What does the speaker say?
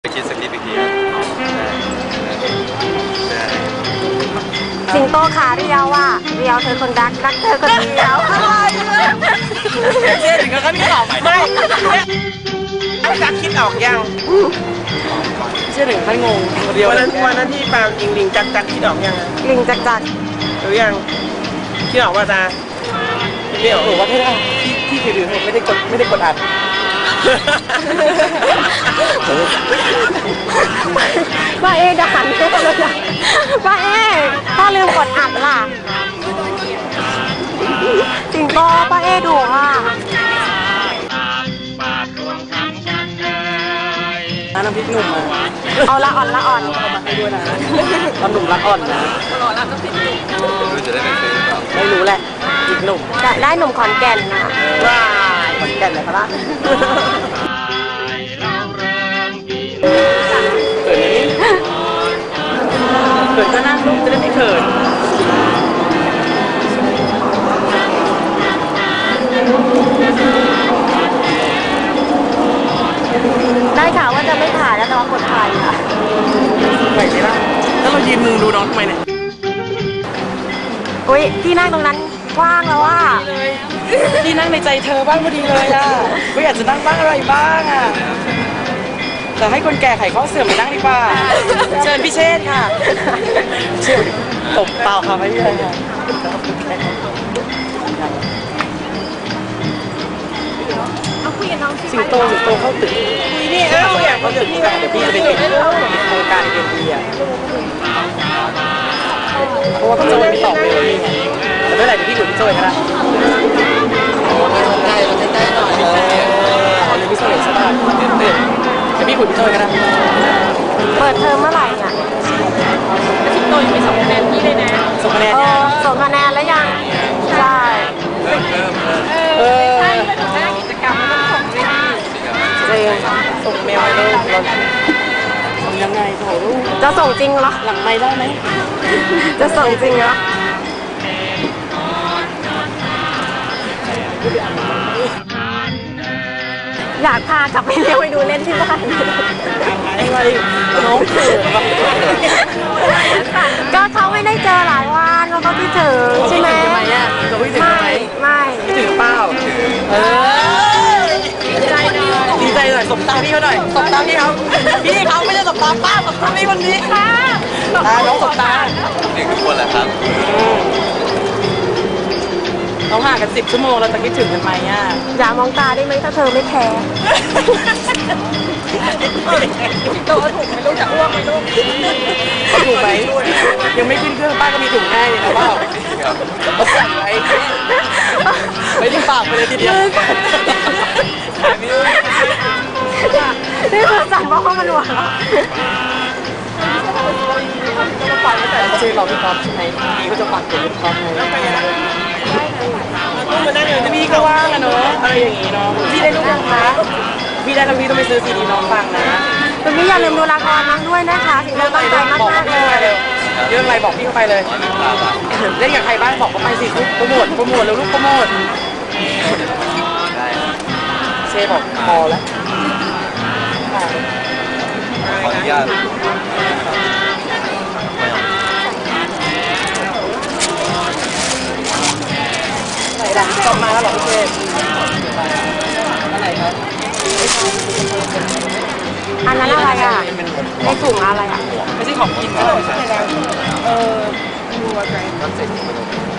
ไปคิดสคริปต์อีกทีสิงโตขาเรียวอ่ะเรียวเธอคนรักรักเธอคนเดียวเชื่อถึงกันนี่หรอไม่จักคิดออกยังเชื่อถึงขั้นงงวันนั้นที่ปาล์มยิงลิงจักคิดออกยังลิงจักจักหรือยังคิดออกว่าตาไม่ออกหรือว่าที่ถือไม่ได้กดอัดป้าเอ๊จะหันไปเลยป้าเอ๊พ่อลืมกดอัดล่ะสิงโตป้าเอ๊ดุอ่ะน้ำพริกหนุ่มเอาละอ่อนละอ่อนมาให้ด้วยนะตอนหนุ่มรักอ่อนนะรู้จะได้ไปซื้อหรือเปล่าไม่รู้แหละอีกหนุ่มได้หนุ่มขอนแก่นนะว้าขอนแก่นเลยพะล่ะเขินก็นั่งลูกจะได้ไม่เขินได้ข่าวว่าจะไม่ถ่ายแล้วน้องกดถ่ายค่ะไหนไหมล่ะแล้วเรายืนมุงดูน้องทำไมเนี่ยอุ้ยที่นั่งตรงนั้นกว้างแล้วว่าที่นั่งในใจเธอบ้างพอดีเลยอ่ะก็อยากจะนั่งบ้างอะไรบ้างอ่ะแต่ให้คนแก่ไขข้อเสื่อมไปนั่งดีกว่าเชิญพี่เชษค่ะเชิญตบเปล่าค่ะไม่ใช่ค่ะสิงโตเข้าตึกนี่อยากเข้าตึกเดี๋ยวพี่จะไปติดโครงการเอ็นดีอ่ะเพราะว่าพี่โจยไม่ตอบเลยแต่ไม่เป็นไรเดี๋ยวพี่คุยพี่โจยก็ได้ใกล้หน่อยเอาเลยพี่โจยสักพักเดี๋ยวพี่คุยพี่โจยก็ได้เปิดเทอมเมื่อไหร่เนี่ยสิงโตยังไม่ส่งคะแนนพี่เลยนะส่งคะแนนส่งคะแนนแล้วยังใช่ใช่ไปถึงหน้ากิจกรรมมันต้องส่งเลยส่งเมลให้ลูกส่งยังไงโถลูกจะส่งจริงเหรอหลังไม่ได้ไหมจะส่งจริงเหรออยากพากลับไปเลี้ยงไปดูเล่นที่บ้านอะไรน้องเขินก็เขาไม่ได้เจอหลายวันเขาก็คิดถึงใช่ไหมไม่คิดถึงเปล่าดีใจหน่อยสบตาพี่เขาหน่อยสบตาพี่เขาไม่ใช่สบตาป้าสบตาพี่คนนี้ค่ะน้องสบตาเด็กทุกคนแหละครับเราห่างกัน10 ชั่วโมงเราจะคิดถึงกันไหมอ่ะอย่ามองตาได้ไหมถ้าเธอไม่แคร์ตัวถูกไหมลูกจะอ้วกไหมลูกถูกไหมยังไม่ขึ้นเครื่องป้าก็มีถุงให้นะว่าเขาใส่ไว้ไม่ได้ปากไปเลยทีเดียวนี่คือสั่งเพราะเขามันหวานเขาชื่อเราพี่ก๊อฟใช่ไหมพี่ก็จะฝากถึงพี่ก๊อฟเลยพี่ก็ว่างอะเนาะอะไรอย่างงี้เนาะพี่ได้ลูกยังคะพี่ได้แล้วพี่ต้องไปซื้อซีดีน้องฟังนะคุณพี่อย่าลืมดูละครน้องด้วยนะคะสิ่งที่ตั้งใจมากๆเลยเรื่องอะไรบอกพี่เข้าไปเลยเล่นกับใครบ้างบอกเขาไปสิโปรโมทแล้วลูกโปรโมทเชฟบอกพอแล้วขออนุญาตจบมาแล้วหรอพี่เชฟอะไรครับอันนั้นอะไรอ่ะในถุงอะไรอ่ะไม่ใช่ของกินนะดูอะไร